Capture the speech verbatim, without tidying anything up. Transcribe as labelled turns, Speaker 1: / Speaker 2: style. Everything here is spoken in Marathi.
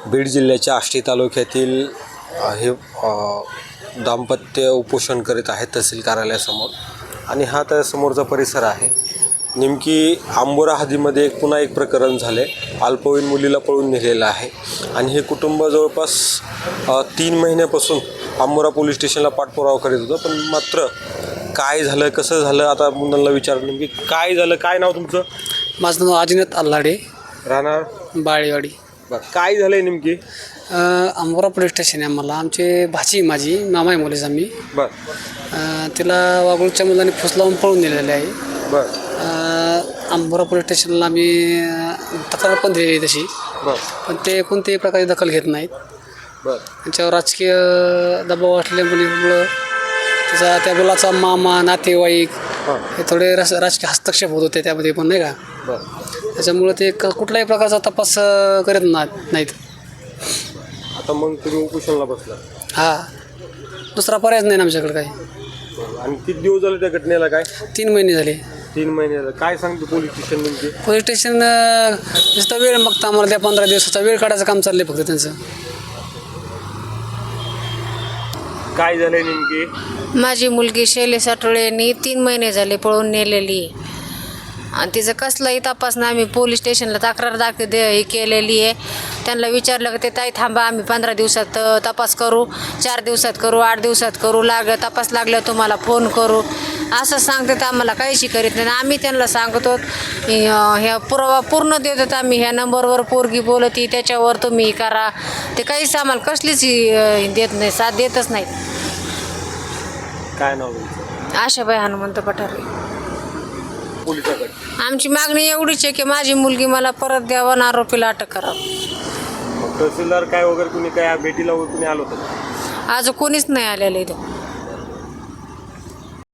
Speaker 1: बीड जिल्ह्याच्या आष्टी तालुक्यातील अ, हे अ, दाम्पत्य उपोषण करीत आहेत तहसील कार्यालयासमोर आणि हा त्या समोरचा परिसर आहे. नेमकी आंबोरा हद्दीमध्ये एक पुन्हा एक प्रकरण झाले. अल्पवयीन मुलीला पळून नेलेलं आहे आणि हे कुटुंब जवळपास अ, तीन महिन्यापासून आंबोरा पोलीस स्टेशनला पाठपुरावा करीत होतं. पण मात्र काय झालं, कसं झालं, आता मुलांना विचारलं नेमकी काय झालं. काय नाव तुमचं?
Speaker 2: माझं नाव अजिनाथ अल्लाडे,
Speaker 1: राहणार
Speaker 2: बाळेवाडी.
Speaker 1: बरं, काय झालंय नेमकी?
Speaker 2: अ, आंबोरा पोलीस स्टेशन आहे. आम्हाला आमचे भाची माझी मामा आहे मुलीचा मी
Speaker 1: बरं
Speaker 2: अ, तिला वागळूच्या मुलांनी फुस लावून पळून दिलेले आहे.
Speaker 1: बरं
Speaker 2: अ, आंबोरा पोलीस स्टेशनला आम्ही अ, तक्रार पण दिलेली आहे तशी,
Speaker 1: बरं
Speaker 2: पण ते कोणत्याही प्रकारे दखल घेत नाहीत.
Speaker 1: बरं
Speaker 2: त्यांच्यावर राजकीय दबाव असल्यामुळं त्याचा त्या मुलाचा मामा नातेवाईक
Speaker 1: हां
Speaker 2: हे थोडे रस राजकीय हस्तक्षेप होत होते त्यामध्ये पण, नाही का.
Speaker 1: बरं.
Speaker 2: त्याच्यामुळं ते क कुठल्याही प्रकारचा तपास अ, करत ना नाहीत.
Speaker 1: आता मग तुम्ही उपोषणला बसला.
Speaker 2: हा, दुसरा पर्यायच नाही ना आमच्याकडे काही.
Speaker 1: बरं. आणि किती दिवस झाले त्या घटनेला? काय
Speaker 2: तीन महिने झाले.
Speaker 1: तीन महिने झाले. काय सांगतो पोलीस स्टेशन नेमके?
Speaker 2: पोलीस स्टेशन नुसता वेळ मागता आम्हाला, त्या पंधरा दिवसाचा वेळ काढायचं काम चाललंय फक्त त्यांचं.
Speaker 1: काय झालंय नेमके?
Speaker 3: माझी मुलगी शैली साठोळेंनी तीन महिने झाले पळून नेलेली आहे आणि तिचं कसलाही तपास नाही. आम्ही पोलीस स्टेशनला तक्रार दाख दे हे केलेली आहे. त्यांना विचारलं की ते ताई थांबा, आम्ही पंधरा दिवसात अ, तपास करू, चार दिवसात करू, आठ दिवसात करू, लाग तपास लागलं तुम्हाला फोन करू असं सांगतात. आम्हाला काहीशी करीत नाही. आम्ही त्यांना सांगतो की, अ, ह्या पुरावा पूर्ण देतात आम्ही, ह्या नंबरवर पोरगी बोलती त्याच्यावर तुम्ही करा. ते काहीच आम्हाला कसलीच अ, देत नाही, साथ देतच नाही.
Speaker 1: काय नाव तुमचं?
Speaker 3: आशाबाई हनुमंत पठारे.
Speaker 1: पोलिसाकडे
Speaker 3: आमची मागणी एवढीच आहे की माझी मुलगी मला परत द्यावं आणि आरोपीला अटक करावं.
Speaker 1: मग तहसीलदार काय वगैरे कुणी काय भेटीला वगैरे कुणी आलं होतं?
Speaker 3: आज कोणीच नाही आलेलं इथं.